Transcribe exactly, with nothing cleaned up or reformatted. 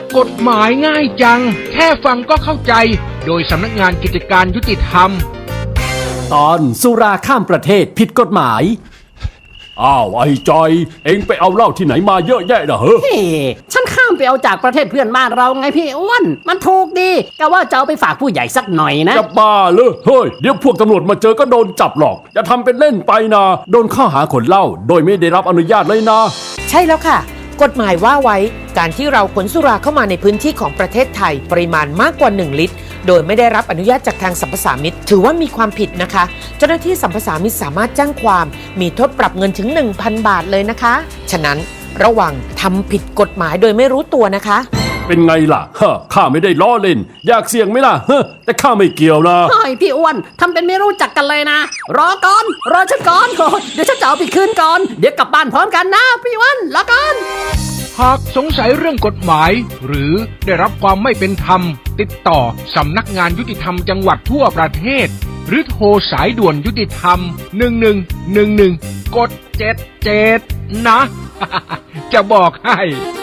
กฎหมายง่ายจังแค่ฟังก็เข้าใจโดยสำนักงานกิจการยุติธรรมตอนสุราข้ามประเทศผิดกฎหมายอ้าวไอ้จอยเอ็งไปเอาเหล้าที่ไหนมาเยอะแยะนะเฮ้ยเฮ้ฉันข้ามไปเอาจากประเทศเพื่อนบ้านเราไงพี่อ้วนมันถูกดีก็ว่าจะเอาไปฝากผู้ใหญ่สักหน่อยนะจะบ้าเลยเฮ้ยเดี๋ยวพวกตำรวจมาเจอก็โดนจับหรอกอย่าทำเป็นเล่นไปนะโดนข้อหาขนเหล้าโดยไม่ได้รับอนุญาตเลยนะใช่แล้วค่ะกฎหมายว่าไว้การที่เราขนสุราเข้ามาในพื้นที่ของประเทศไทยปริมาณมากกว่าหนึ่งลิตรโดยไม่ได้รับอนุญาตจากทางสรรพสามิตถือว่ามีความผิดนะคะเจ้าหน้าที่สรรพสามิตสามารถแจ้งความมีโทษปรับเงินถึง หนึ่งพัน บาทเลยนะคะฉะนั้นระวังทำผิดกฎหมายโดยไม่รู้ตัวนะคะเป็นไงล่ะฮะข้าไม่ได้ล้อเล่นอยากเสี่ยงไหมล่ะเฮ้แต่ข้าไม่เกี่ยวนะเฮ้ยพี่อ้วนทำเป็นไม่รู้จักกันเลยนะรอก่อนรอฉันก่อนเดี๋ยวฉันจะเอาไปคืนก่อนเดี๋ยวกลับบ้านพร้อมกันนะพี่อ้วนรอก่อนหากสงสัยเรื่องกฎหมายหรือได้รับความไม่เป็นธรรมติดต่อสำนักงานยุติธรรมจังหวัดทั่วประเทศหรือโทรสายด่วนยุติธรรมหนึ่งหนึ่งหนึ่งหนึ่งกดเจ็ดเจ็ดนะ จะบอกให้